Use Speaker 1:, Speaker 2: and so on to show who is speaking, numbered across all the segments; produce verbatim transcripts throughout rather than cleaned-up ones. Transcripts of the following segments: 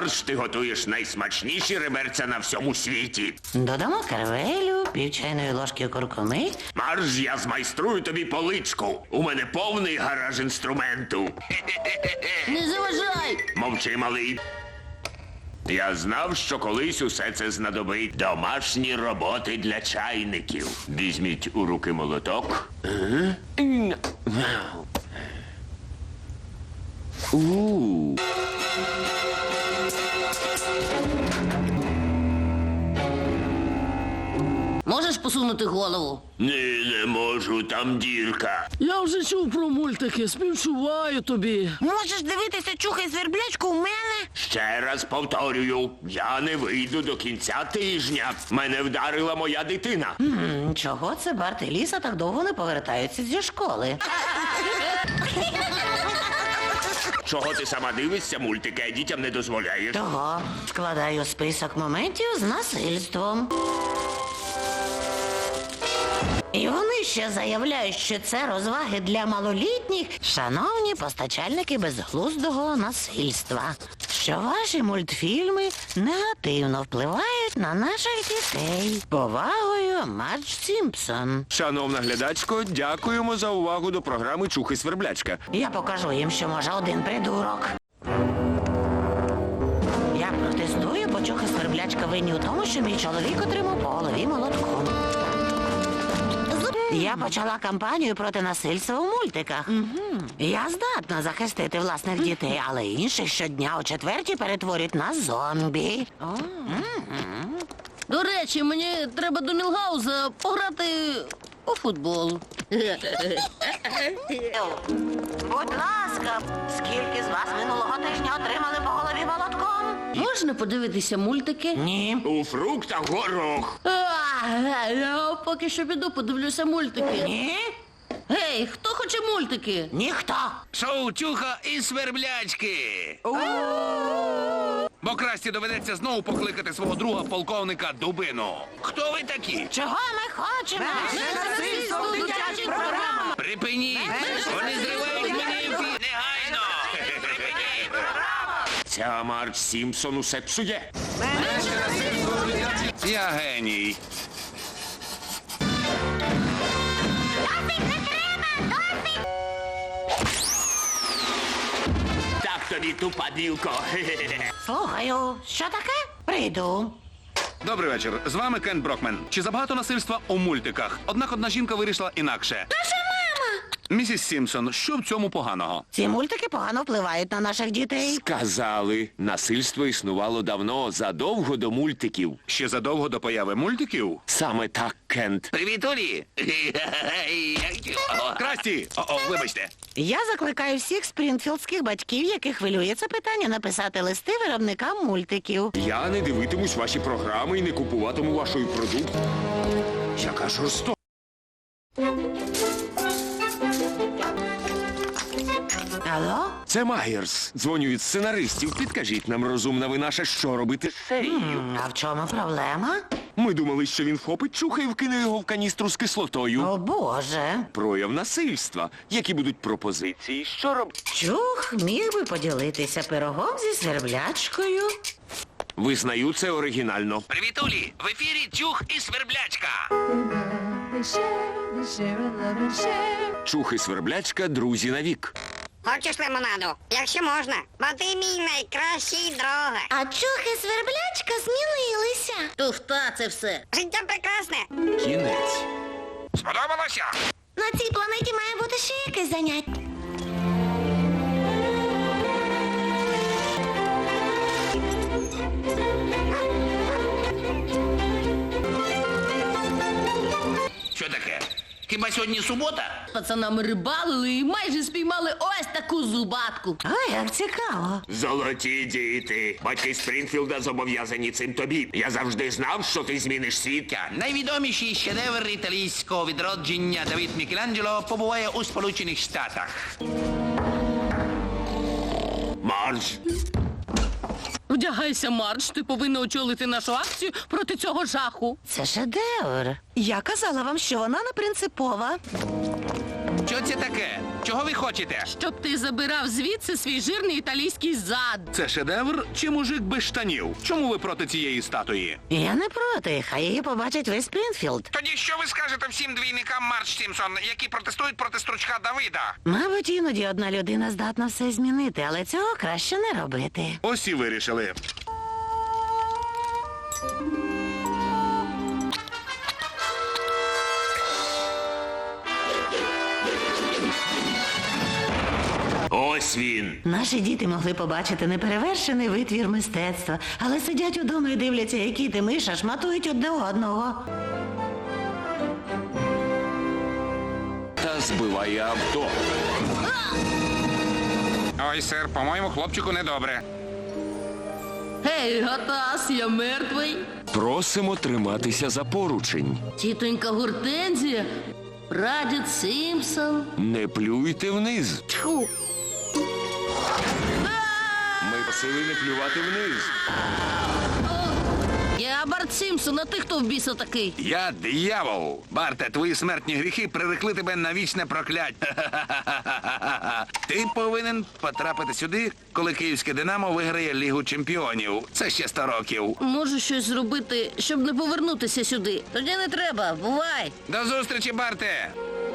Speaker 1: Марш, ти готуєш найсмачніші реберця на всьому світі.
Speaker 2: Додамо карвелю, пів чайної ложки куркуми.
Speaker 1: Марш, я змайструю тобі поличку. У мене повний гараж інструменту.
Speaker 3: Не заважай!
Speaker 1: Мовчи, малий. Я знав, що колись усе це знадобить. Домашні роботи для чайників. Візьміть у руки молоток. У.
Speaker 3: Можеш посунути голову?
Speaker 1: Ні, не можу, там дірка.
Speaker 4: Я вже чув про мультики, співчуваю тобі.
Speaker 2: Можеш дивитися чухай сверблячку у мене?
Speaker 1: Ще раз повторюю, я не вийду до кінця тижня. Мене вдарила моя дитина.
Speaker 2: М, Чого це Барт і Ліса так довго не повертаються зі школи?
Speaker 1: Чого ти сама дивишся мультики, а дітям не дозволяєш?
Speaker 2: Того складаю список моментів з насильством. І вони ще заявляють, що це розваги для малолітніх. Шановні постачальники безглуздого насильства, що ваші мультфільми негативно впливають на наших дітей. Повагою, Мардж Сімпсон.
Speaker 1: Шановна глядачко, дякуємо за увагу до програми «Чухай сверблячка».
Speaker 2: Я покажу їм, що може один придурок. Я протестую, бо чухай сверблячка винні у тому, що мій чоловік отримав по голові молотком. Я почала кампанію проти насильства у мультиках. Я здатна захистити власних дітей, але інших щодня о четвертій перетворюють на зомбі.
Speaker 3: До речі, мені треба до Мілгауза пограти у футбол.
Speaker 2: Будь ласка, скільки з вас минулого тижня отримали по голові молотком?
Speaker 3: Можна подивитися мультики?
Speaker 2: Ні.
Speaker 1: У фруктах горох.
Speaker 3: А, я поки що піду подивлюся мультики.
Speaker 2: Ні?
Speaker 3: Гей, хто хоче мультики?
Speaker 2: Ніхто.
Speaker 5: Шоу «Чуха і сверблячки». Бо Красті доведеться знову покликати свого друга полковника Дубину. Хто ви такі?
Speaker 2: Чого ми хочемо?
Speaker 3: Насильство в дитячих програмах.
Speaker 5: Припиніть! Вони зривають мені ефір! Негайно! Припиніть!
Speaker 1: Ця Мардж Сімпсон усе псує.
Speaker 5: Я геній.
Speaker 1: Так тобі, тупа білко.
Speaker 2: Слухаю, що таке? Прийду.
Speaker 5: Добрий вечір. З вами Кен Брокмен. Чи забагато насильства у мультиках? Однак одна жінка вирішила інакше. Наша мама! Місіс Сімпсон, що в цьому поганого?
Speaker 2: Ці мультики погано впливають на наших дітей.
Speaker 1: Сказали, насильство існувало давно, задовго до мультиків.
Speaker 5: Ще задовго до появи мультиків?
Speaker 1: Саме так, Кент.
Speaker 5: Привіт, Олі! Красті! О-о, вибачте.
Speaker 2: Я закликаю всіх спрінфілдських батьків, яких хвилює це питання, написати листи виробникам мультиків.
Speaker 1: Я не дивитимусь ваші програми і не купуватиму вашої продукції. Яка жорстока.
Speaker 2: Алло?
Speaker 1: Це Майерс. Дзвоню від сценаристів. Підкажіть нам, розумна ви наша, що робити з серією.
Speaker 2: М, А в чому проблема?
Speaker 1: Ми думали, що він вхопить чуха і вкине його в каністру з кислотою.
Speaker 2: О, Боже.
Speaker 1: Прояв насильства. Які будуть пропозиції? Що робити?
Speaker 2: Чух міг би поділитися пирогом зі сверблячкою.
Speaker 1: Визнаю, це оригінально.
Speaker 5: Привіт, Олі! В ефірі «Чух і сверблячка».
Speaker 6: They share, they share a love and share.
Speaker 1: Чух і сверблячка – друзі навік.
Speaker 7: Хочеш лимонаду? Якщо можна, бо ти мій найкращий друг.
Speaker 2: А чухи сверблячка змінилися.
Speaker 3: Туфта це все.
Speaker 7: Життя прекрасне.
Speaker 1: Кінець.
Speaker 5: Сподобалося?
Speaker 2: На цій планеті має бути ще якесь заняття.
Speaker 5: Що таке? Хіба сьогодні субота?
Speaker 3: З пацанами рибалили і майже спіймали ось таку зубатку.
Speaker 2: Ой, як цікаво.
Speaker 1: Золоті діти. Батьки Спрінфілда зобов'язані цим тобі. Я завжди знав, що ти зміниш світ.
Speaker 5: Найвідоміший шедевр італійського відродження Давід Мікеланджело побуває у Сполучених Штатах.
Speaker 1: Мардж.
Speaker 3: Вдягайся, Мардж, ти повинна очолити нашу акцію проти цього жаху.
Speaker 2: Це шедевр. Я казала вам, що вона не принципова.
Speaker 5: Що це таке? Чого ви хочете?
Speaker 3: Щоб ти забирав звідси свій жирний італійський зад.
Speaker 5: Це шедевр чи мужик без штанів? Чому ви проти цієї статуї?
Speaker 2: Я не проти, хай її побачить весь Спрінфілд.
Speaker 5: Тоді що ви скажете всім двійникам Марч Сімпсон, які протестують проти стручка Давида?
Speaker 2: Мабуть, іноді одна людина здатна все змінити, але цього краще не робити.
Speaker 5: Ось і вирішили.
Speaker 1: Ось він.
Speaker 2: Наші діти могли побачити неперевершений витвір мистецтва, але сидять удома і дивляться, які ти миша шматують одне одного.
Speaker 1: Та збиває авто.
Speaker 5: Ой, сер, по-моєму, хлопчику недобре.
Speaker 3: Гей, Гатас, я мертвий.
Speaker 8: Просимо триматися за поручень.
Speaker 3: Тітонька Гортензія, прадід Сімпсон.
Speaker 8: Не плюйте вниз.
Speaker 3: Тьху.
Speaker 8: Ми просили не плювати вниз.
Speaker 3: Я Барт Сімпсон, а ти хто в біса такий?
Speaker 5: Я диявол. Барте, твої смертні гріхи прирекли тебе на вічне прокляття. Ти повинен потрапити сюди, коли київське Динамо виграє Лігу чемпіонів. Це ще сто років.
Speaker 3: Можу щось зробити, щоб не повернутися сюди. Тоді не треба, бувай.
Speaker 5: До зустрічі, Барте!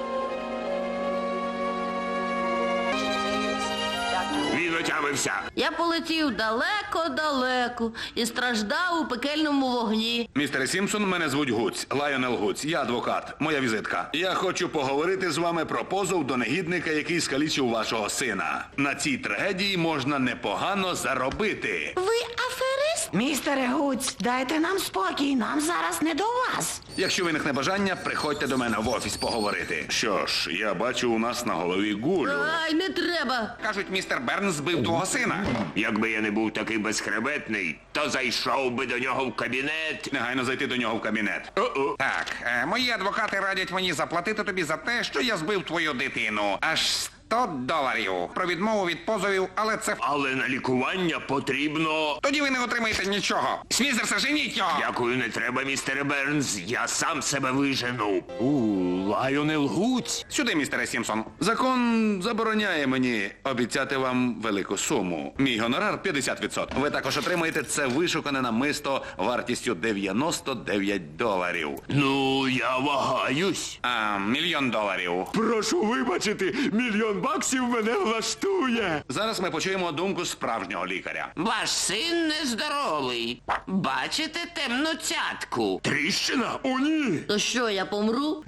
Speaker 1: Він отямився.
Speaker 3: Я полетів далеко-далеко і страждав у пекельному вогні.
Speaker 5: Містере Сімпсон, мене звуть Гуць, Лайонел Гуць. Я адвокат. Моя візитка. Я хочу поговорити з вами про позов до негідника, який скалічив вашого сина. На цій трагедії можна непогано заробити.
Speaker 2: Ви аферист? Містере Гуць, дайте нам спокій, нам зараз не до вас.
Speaker 5: Якщо виникне бажання, приходьте до мене в офіс поговорити. Що ж, я бачу у нас на голові гулю.
Speaker 3: Ай, не треба.
Speaker 5: Кажуть, містер Бернс збив твого сина.
Speaker 1: Якби я не був такий безхребетний, то зайшов би до нього в кабінет.
Speaker 5: Негайно зайти до нього в кабінет.
Speaker 1: О-о.
Speaker 9: Так, е, мої адвокати радять мені заплатити тобі за те, що я збив твою дитину. Аж сто доларів. Про відмову від позовів, але це...
Speaker 1: Але на лікування потрібно.
Speaker 9: Тоді ви не отримаєте нічого. Смізерсе, женіть його!
Speaker 1: Дякую, не треба, містере Бернс. Я сам себе вижену.
Speaker 8: У, Лайонел Гуць.
Speaker 9: Сюди, містере Сімпсон.
Speaker 5: Закон забороняє мені обіцяти вам велику суму. Мій гонорар п'ятдесят відсотків. Ви також отримаєте це вишукане намисто вартістю дев'яносто дев'ять доларів.
Speaker 1: Ну, я вагаюсь.
Speaker 9: А, мільйон доларів.
Speaker 8: Прошу вибачити, мільйон баксів мене влаштує.
Speaker 5: Зараз ми почуємо думку справжнього лікаря.
Speaker 10: Ваш син нездоровий. Бачите темну цятку?
Speaker 1: Тріщина?
Speaker 8: О, ні!
Speaker 3: То що, я помру?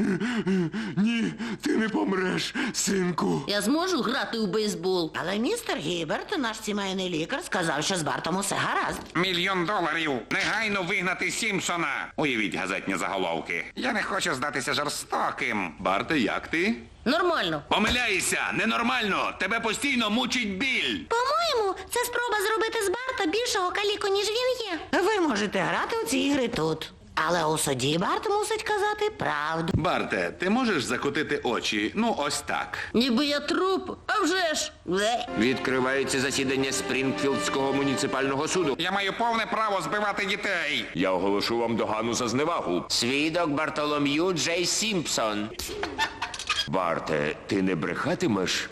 Speaker 8: Ні, ти не помреш, синку.
Speaker 3: Я зможу грати у бейсбол?
Speaker 2: Але містер Гіберт, наш сімейний лікар, сказав, що з Бартом усе гаразд.
Speaker 9: Мільйон доларів. Негайно вигнати Сімпсона. Уявіть газетні заголовки. Я не хочу здатися жорстоким.
Speaker 5: Барте, як ти?
Speaker 3: Нормально.
Speaker 5: Помиляєшся! Ненормально! Тебе постійно мучить біль!
Speaker 2: По-моєму, це спроба зробити з Барта більшого каліку, ніж він є. Ви можете грати у ці ігри тут. Але у суді Барт мусить казати правду.
Speaker 5: Барте, ти можеш закотити очі? Ну, ось так.
Speaker 3: Ніби я труп, а вже ж. Бле.
Speaker 8: Відкривається засідання Спрінгфілдського муніципального суду.
Speaker 9: Я маю повне право збивати дітей.
Speaker 8: Я оголошу вам догану за зневагу.
Speaker 10: Свідок Бартолом'ю Джей Сімпсон.
Speaker 8: Барте, ти не брехатимеш?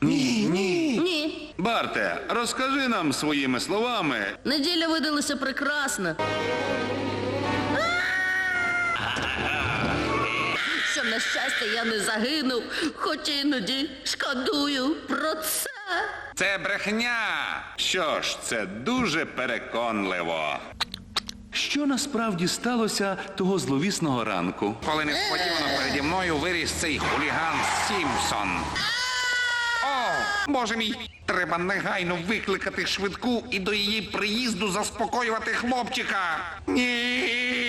Speaker 3: Ні.
Speaker 5: Барте, розкажи нам своїми словами.
Speaker 3: Неділя видалася прекрасна. Що, на щастя, я не загинув, хоч іноді шкодую про це.
Speaker 9: Це брехня.
Speaker 5: Що ж, це дуже переконливо. Що насправді сталося того зловісного ранку?
Speaker 9: Коли несподівано переді мною виріс цей хуліган Сімпсон. О, боже мій, треба негайно викликати швидку і до її приїзду заспокоювати хлопчика. Ні.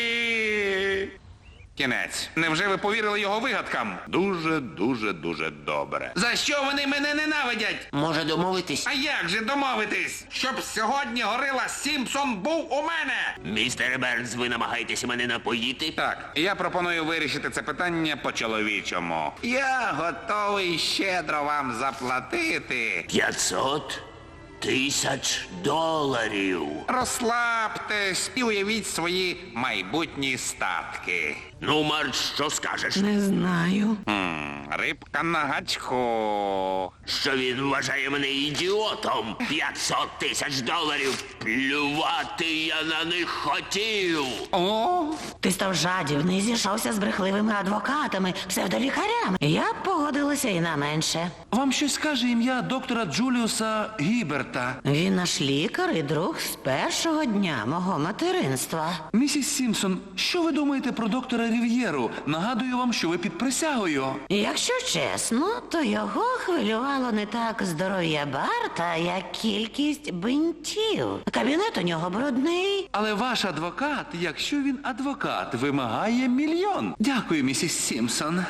Speaker 9: Кінець. Невже ви повірили його вигадкам?
Speaker 5: Дуже, дуже, дуже добре.
Speaker 9: За що вони мене ненавидять?
Speaker 10: Може домовитись?
Speaker 9: А як же домовитись? Щоб сьогодні горила Сімпсон був у мене?
Speaker 1: Містере Бернс, ви намагаєтеся мене напоїти?
Speaker 9: Так, я пропоную вирішити це питання по-чоловічому. Я готовий щедро вам заплатити.
Speaker 1: П'ятсот тисяч доларів.
Speaker 9: Розслабтесь і уявіть свої майбутні статки.
Speaker 1: Ну, Марч, що скажеш?
Speaker 2: Не знаю.
Speaker 9: М, Рибка на гачку.
Speaker 1: Що він вважає мене ідіотом? п'ятсот тисяч доларів. Плювати я на них хотів.
Speaker 9: О,
Speaker 2: Ти став жадібний, зійшовся з брехливими адвокатами, псевдолікарями. Я б погодилася і на менше.
Speaker 11: Вам щось каже ім'я доктора Джуліуса Гіберта.
Speaker 2: Він наш лікар і друг з першого дня мого материнства.
Speaker 11: Місіс Сімпсон, що ви думаєте про доктора Рів'єру? Нагадую вам, що ви під присягою.
Speaker 2: Якщо чесно, то його хвилювало не так здоров'я Барта, як кількість бинтів. Кабінет у нього брудний.
Speaker 11: Але ваш адвокат, якщо він адвокат, вимагає мільйон. Дякую, місіс Сімпсон.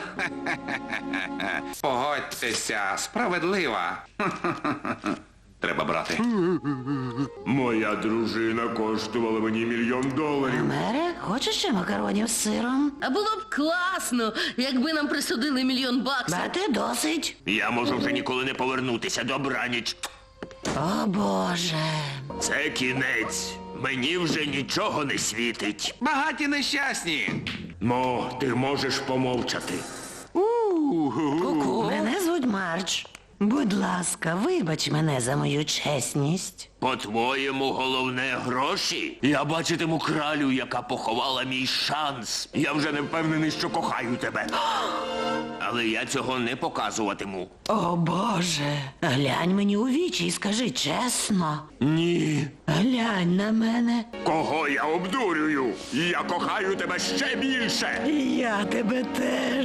Speaker 9: погодьтеся, справедлива.
Speaker 5: Треба брати.
Speaker 8: Моя дружина коштувала мені мільйон доларів.
Speaker 2: Мере, хочеш ще макаронів з сиром?
Speaker 3: А було б класно, якби нам присудили мільйон баксів.
Speaker 2: Берти досить.
Speaker 1: Я можу вже ніколи не повернутися. Добраніч.
Speaker 2: О, Боже.
Speaker 1: Це кінець. Мені вже нічого не світить.
Speaker 9: Багаті нещасні.
Speaker 1: Мо, ти можеш помовчати.
Speaker 2: Мене звуть Марч. Будь ласка, вибач мене за мою чесність.
Speaker 1: По-твоєму, головне гроші? Я бачитиму кралю, яка поховала мій шанс. Я вже не впевнений, що кохаю тебе. Але я цього не показуватиму.
Speaker 2: О, Боже. Глянь мені у вічі і скажи чесно.
Speaker 1: Ні.
Speaker 2: Глянь на мене.
Speaker 1: Кого я обдурюю? Я кохаю тебе ще більше.
Speaker 2: І я тебе теж.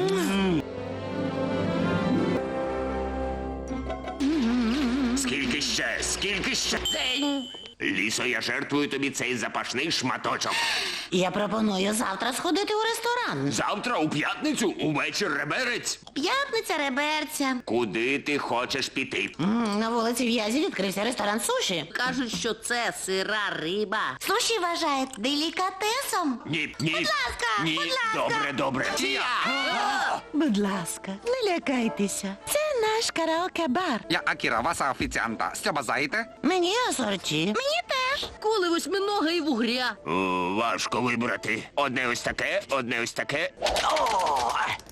Speaker 1: Скільки ще? Скільки ще?
Speaker 3: День.
Speaker 1: Лісо, я жертвую тобі цей запашний шматочок.
Speaker 2: Я пропоную завтра сходити у ресторан.
Speaker 1: Завтра у п'ятницю увечір реберець.
Speaker 2: П'ятниця реберця.
Speaker 1: Куди ти хочеш піти?
Speaker 2: М, На вулиці В'язі відкрився ресторан суші.
Speaker 3: Кажуть, що це сира риба.
Speaker 2: Суші вважають делікатесом.
Speaker 1: Ні, ні. Будь
Speaker 2: ласка,
Speaker 1: ні.
Speaker 2: будь ласка.
Speaker 1: Добре, добре.
Speaker 2: Будь ласка, не лякайтеся. Це наш караоке-бар.
Speaker 9: Я Акіра, ваша офіціанта. Що бажаєте?
Speaker 2: Мені асорті. Мені теж.
Speaker 3: Коли восьминога і вугря.
Speaker 1: О, важко вибрати. Одне ось таке, одне ось таке. О!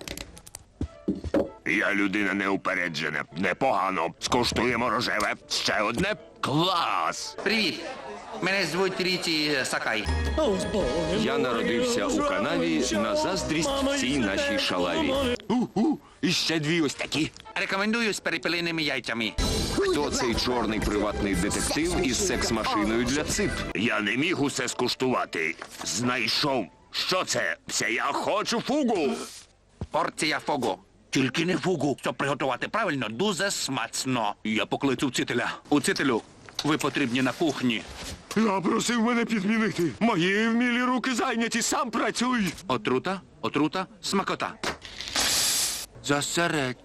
Speaker 1: Я людина неупереджена. Непогано. Скуштуємо рожеве. Ще одне. Клас!
Speaker 9: Привіт. Мене звуть Ріті Сакай.
Speaker 8: Я народився у канаві на заздрість всій нашій шалаві.
Speaker 1: У-у, і ще дві ось такі.
Speaker 9: Рекомендую з перепелиними яйцями.
Speaker 8: Хто цей чорний приватний детектив із секс-машиною для цип?
Speaker 1: Я не міг усе скуштувати. Знайшов. Що це? Це я хочу фугу.
Speaker 9: Порція фогу. Тільки не фугу. Щоб приготувати правильно, дуже смачно. Я покличу вчителя. Учителю, ви потрібні на кухні.
Speaker 8: Я просив мене підмінити. Мої вмілі руки зайняті, сам працюй.
Speaker 9: Отрута, отрута, смакота. Засеред.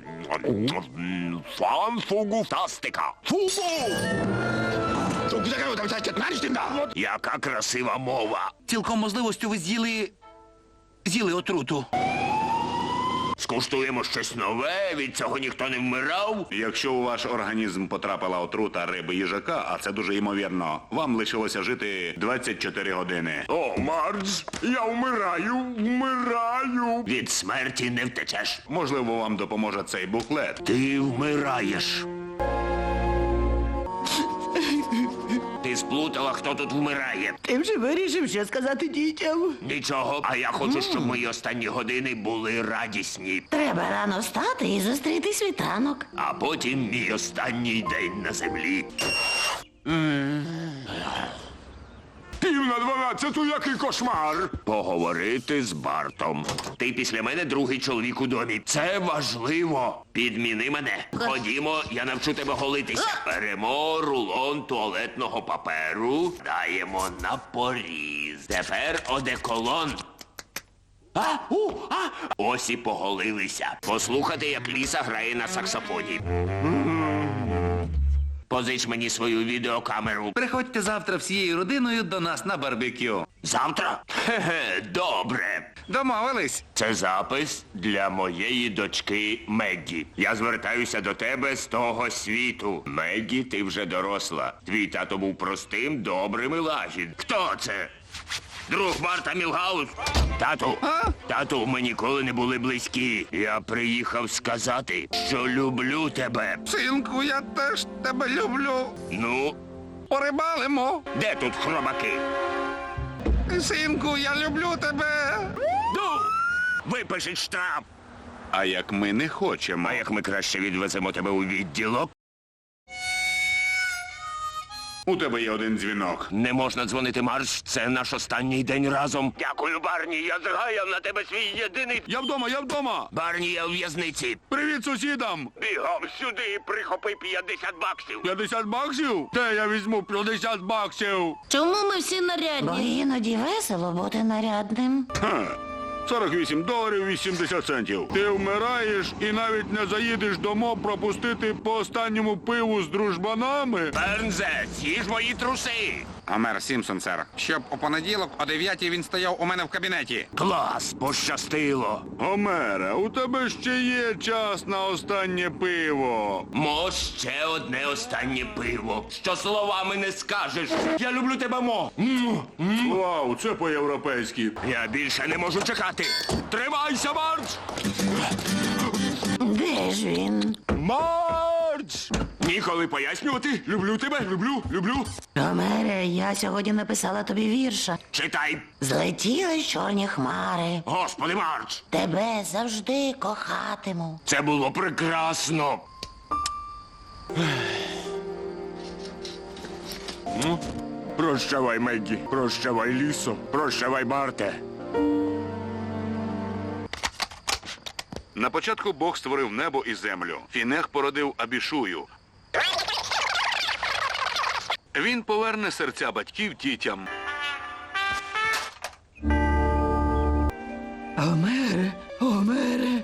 Speaker 1: Фан фугу фастика. Фугу! Яка красива мова.
Speaker 9: Цілком можливостю ви з'їли... з'їли отруту.
Speaker 1: Скуштуємо щось нове, від цього ніхто не вмирав.
Speaker 5: Якщо у ваш організм потрапила отрута риби їжака, а це дуже ймовірно, вам лишилося жити двадцять чотири години.
Speaker 8: О, Мардж, я вмираю, вмираю.
Speaker 1: Від смерті не втечеш.
Speaker 5: Можливо, вам допоможе цей буклет.
Speaker 1: Ти вмираєш. Ти сплутала, хто тут вмирає.
Speaker 2: Ти вже вирішив, що сказати дітям.
Speaker 1: Нічого, а я хочу, щоб мої останні години були радісні.
Speaker 2: Треба рано встати і зустріти світанок.
Speaker 1: А потім мій останній день на землі.
Speaker 8: Пів на дванадцяту, який кошмар.
Speaker 1: Поговорити з Бартом. Ти після мене другий чоловік у домі. Це важливо. Підміни мене. Ходімо, я навчу тебе голитися. Беремо рулон туалетного паперу, даємо на поріз. Тепер одеколон. А, у, а. Ось і поголилися. Послухати, як Ліса грає на саксофоні. Позич мені свою відеокамеру.
Speaker 11: Приходьте завтра всією родиною до нас на барбекю.
Speaker 1: Завтра? Хе-хе, добре.
Speaker 9: Домовились?
Speaker 1: Це запис для моєї дочки Меггі. Я звертаюся до тебе з того світу. Меггі, ти вже доросла. Твій тато був простим, добрим і лагідним. Хто це? друг Барта Мілгаус. Тату, тату, ми ніколи не були близькі. Я приїхав сказати, що люблю тебе.
Speaker 9: Синку, я теж тебе люблю.
Speaker 1: Ну,
Speaker 9: Порибалимо.
Speaker 1: де тут хробаки?
Speaker 9: Синку, я люблю тебе.
Speaker 1: Ну, випишіть штраф.
Speaker 5: А як ми не хочемо.
Speaker 1: А як ми краще відвеземо тебе у відділок?
Speaker 5: У тебе є один дзвінок.
Speaker 1: Не можна дзвонити, Марш, це наш останній день разом. Дякую, Барні, я згаяв на тебе свій єдиний...
Speaker 5: Я вдома, я вдома.
Speaker 1: Барні, я у в'язниці.
Speaker 5: Привіт сусідам.
Speaker 1: Бігом сюди і прихопи п'ятдесят баксів.
Speaker 5: п'ятдесят баксів? Де я візьму п'ятдесят баксів?
Speaker 3: Чому ми всі
Speaker 2: Бо
Speaker 3: нарядні?
Speaker 2: іноді весело бути нарядним.
Speaker 5: Ха. сорок вісім доларів вісімдесят центів. Ти вмираєш і навіть не заїдеш домо пропустити по останньому пиву з дружбанами?
Speaker 1: Бернзе, з'їж мої труси.
Speaker 9: Гомер Сімпсон, сер. Щоб у понеділок о дев'ятій він стояв у мене в кабінеті.
Speaker 1: Клас, пощастило.
Speaker 5: Гомере, у тебе ще є час на останнє пиво.
Speaker 1: Мо, ще одне останнє пиво. Що словами не скажеш. Я люблю тебе, Мо. М, м.
Speaker 5: Вау, це по-європейськи.
Speaker 1: Я більше не можу чекати. Тримайся, Марч!
Speaker 2: Де ж він?
Speaker 1: Марч! Ніколи пояснювати. Люблю тебе, люблю, люблю.
Speaker 2: Гомере, я сьогодні написала тобі вірша.
Speaker 1: Читай.
Speaker 2: Злетіли чорні хмари.
Speaker 1: Господи, Марч!
Speaker 2: Тебе завжди кохатиму.
Speaker 1: Це було прекрасно. Ну, прощавай, Меггі. Прощавай, Лісо. Прощавай, Барте.
Speaker 5: На початку Бог створив небо і землю. Фінех породив Абішую. Він поверне серця батьків дітям.
Speaker 4: Гомере, Гомере.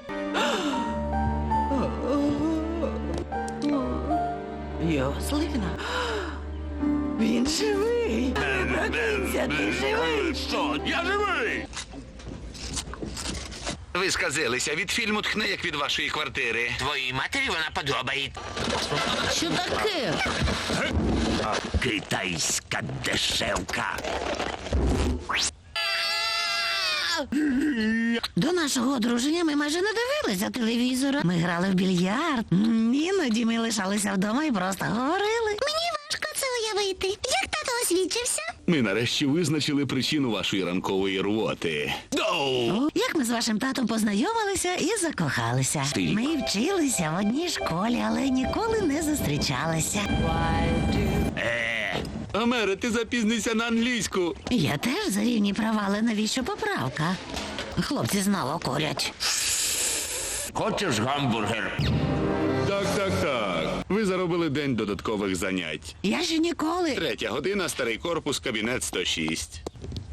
Speaker 2: Йослина. Він живий. Прокинься, ти живий.
Speaker 1: Що? Я живий!
Speaker 5: Ви сказилися, від фільму тхне, як від вашої квартири.
Speaker 10: Твоїй матері вона подобається.
Speaker 3: Що таке?
Speaker 1: Китайська дешевка.
Speaker 2: До нашого одруження ми майже не дивилися телевізора. Ми грали в більярд. М, Іноді ми лишалися вдома і просто говорили. Мені важко це уявити. Як тато освідчився?
Speaker 5: Ми нарешті визначили причину вашої ранкової рвоти.
Speaker 2: Як ми з вашим татом познайомилися і закохалися. Ми вчилися в одній школі, але ніколи не зустрічалися.
Speaker 5: Гомере, ти запізнися на англійську.
Speaker 2: Я теж за рівні права, але навіщо поправка? Хлопці знову курять.
Speaker 1: Хочеш гамбургер?
Speaker 5: Так, так, так. Ви заробили день додаткових занять.
Speaker 2: Я ще ніколи.
Speaker 5: Третя година, старий корпус, кабінет сто шість.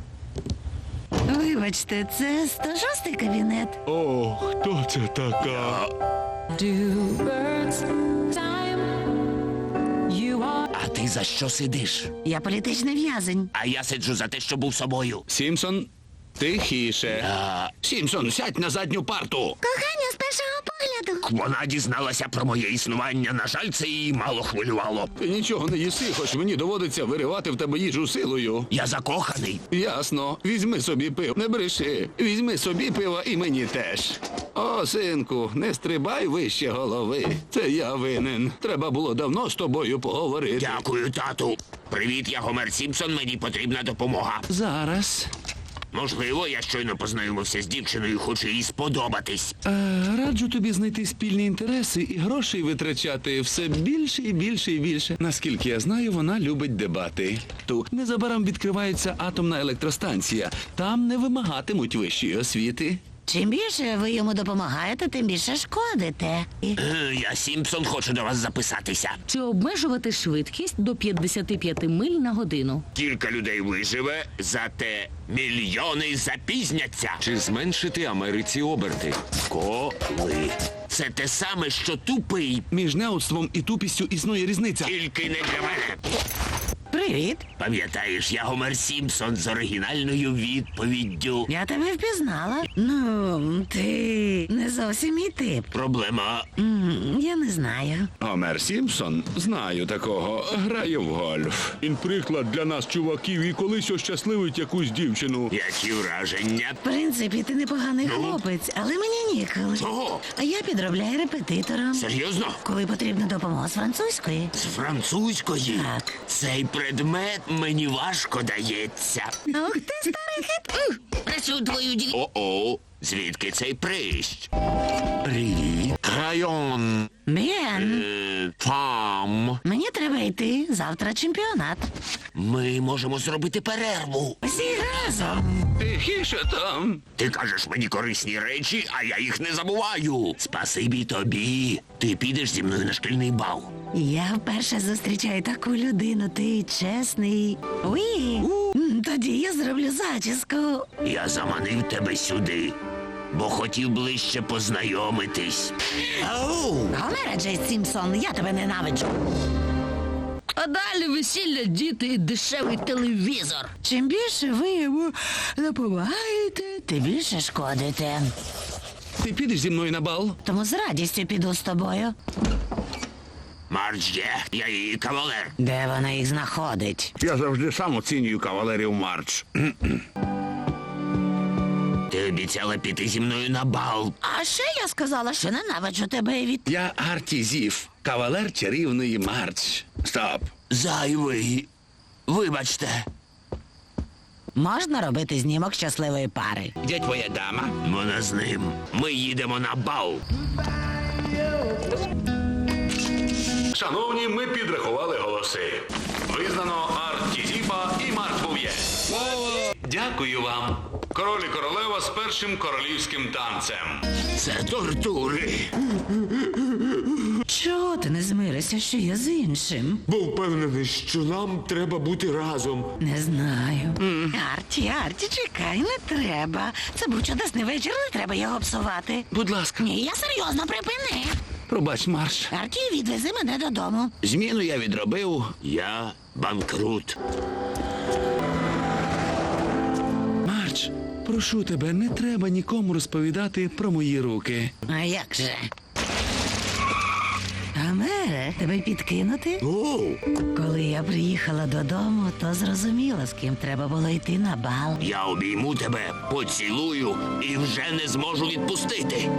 Speaker 2: Вибачте, це сто шостий кабінет.
Speaker 5: О, хто це така?
Speaker 6: Do birds time? You are.
Speaker 1: А ти за що сидиш?
Speaker 2: Я політичний в'язень.
Speaker 1: А я сиджу за те, що був собою.
Speaker 5: Сімпсон, тихіше. Сімпсон, сядь на задню парту.
Speaker 2: Кохання з першого погляду.
Speaker 1: Вона дізналася про моє існування. На жаль, це її мало хвилювало.
Speaker 5: Ти нічого не їси, хоч мені доводиться виривати в тебе їжу силою.
Speaker 1: Я закоханий.
Speaker 5: Ясно. Візьми собі пиво. Не бреши. Візьми собі пиво і мені теж. О, синку, не стрибай вище голови. Це я винен. Треба було давно з тобою поговорити.
Speaker 1: Дякую, тату. Привіт, я Гомер Сімпсон, мені потрібна допомога.
Speaker 4: Зараз.
Speaker 1: Можливо, я щойно познайомився з дівчиною і хочу їй сподобатись.
Speaker 11: Е, раджу тобі знайти спільні інтереси і грошей витрачати все більше і більше і більше. Наскільки я знаю, вона любить дебати. Ту незабаром відкривається атомна електростанція. Там не вимагатимуть вищої освіти.
Speaker 2: Чим більше ви йому допомагаєте, тим більше шкодите. І-
Speaker 1: Е, Я Сімпсон, хочу до вас записатися.
Speaker 3: Чи обмежувати швидкість до п'ятдесят п'ять миль на годину?
Speaker 1: Кілька людей виживе, зате мільйони запізняться.
Speaker 8: Чи зменшити Америці оберти?
Speaker 1: Коли? Це те саме, що тупий,
Speaker 11: Між неудством і тупістю існує різниця.
Speaker 1: тільки не для мене.
Speaker 2: Привіт.
Speaker 10: Пам'ятаєш, я Гомер Сімпсон з оригінальною відповіддю.
Speaker 2: Я тебе впізнала. Ну, ти не зовсім мій тип.
Speaker 10: Проблема.
Speaker 2: М, Я не знаю.
Speaker 11: Гомер Сімпсон? Знаю такого. Грає в гольф. Він приклад для нас, чуваків, і колись ощасливить якусь дівчину.
Speaker 10: Які враження?
Speaker 2: В принципі, ти непоганий хлопець, але мені ніколи.
Speaker 10: Чого?
Speaker 2: А я підробляю репетитором.
Speaker 10: Серйозно?
Speaker 2: Коли потрібна допомога з французької.
Speaker 10: З французької?
Speaker 2: Так.
Speaker 10: Цей предмет мені важко дається.
Speaker 2: Ух ти, старий хит.
Speaker 3: Працюю твою ді...
Speaker 10: О-о, звідки цей прищ? Привіт. Крайон.
Speaker 2: Бен,
Speaker 10: Е, Фам.
Speaker 2: мені треба йти. Завтра чемпіонат.
Speaker 10: Ми можемо зробити перерву.
Speaker 2: Всі разом.
Speaker 11: Тихіше там.
Speaker 10: Ти кажеш мені корисні речі, а я їх не забуваю. Спасибі тобі. Ти підеш зі мною на шкільний бал.
Speaker 2: Я вперше зустрічаю таку людину. Ти чесний. Уї. М, Тоді я зроблю зачіску.
Speaker 10: Я заманив тебе сюди, бо хотів ближче познайомитись. Ау!
Speaker 2: Гомера Джей Сімпсон, я тебе ненавиджу.
Speaker 3: А далі весілля, діти і дешевий телевізор.
Speaker 2: Чим більше ви йому допомагаєте, тим більше шкодите.
Speaker 11: Ти підеш зі мною на бал?
Speaker 2: Тому з радістю піду з тобою.
Speaker 10: Марч є, я її кавалер.
Speaker 2: Де вона їх знаходить?
Speaker 5: Я завжди сам оцінюю кавалерів Марч.
Speaker 10: Ти обіцяла піти зі мною на бал.
Speaker 2: А ще я сказала, що ненавиджу тебе від...
Speaker 11: Я Арті Зів, кавалер чарівної Марч.
Speaker 5: Стоп.
Speaker 10: Зайвий. Вибачте.
Speaker 2: Можна робити знімок щасливої пари.
Speaker 11: Де твоя дама?
Speaker 10: Вона з ним. Ми їдемо на бал.
Speaker 5: Шановні, ми підрахували голоси. Визнано Арті Зіпа і Марч Був'є. Дякую вам. Король і королева з першим королівським танцем.
Speaker 10: Це тортури.
Speaker 2: Чого ти не змиришся, що я з іншим?
Speaker 8: Був впевнений, що нам треба бути разом.
Speaker 2: Не знаю. Арті, Арті, чекай, не треба. Це був чудесний вечір, не треба його псувати.
Speaker 11: Будь ласка,
Speaker 2: Ні, я серйозно, припини.
Speaker 11: пробач, Марч.
Speaker 2: Арті, відвези мене додому.
Speaker 11: Зміну я відробив.
Speaker 10: Я банкрут.
Speaker 11: Марч, прошу тебе, не треба нікому розповідати про мої руки.
Speaker 2: А як же? Гомере, тебе підкинути?
Speaker 10: О,
Speaker 2: Коли я приїхала додому, то зрозуміла, з ким треба було йти на бал.
Speaker 10: я обійму тебе, поцілую і вже не зможу відпустити.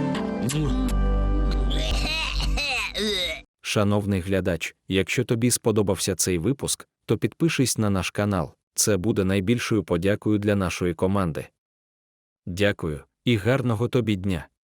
Speaker 12: Шановний глядач, якщо тобі сподобався цей випуск, то підпишись на наш канал. Це буде найбільшою подякою для нашої команди. Дякую і гарного тобі дня!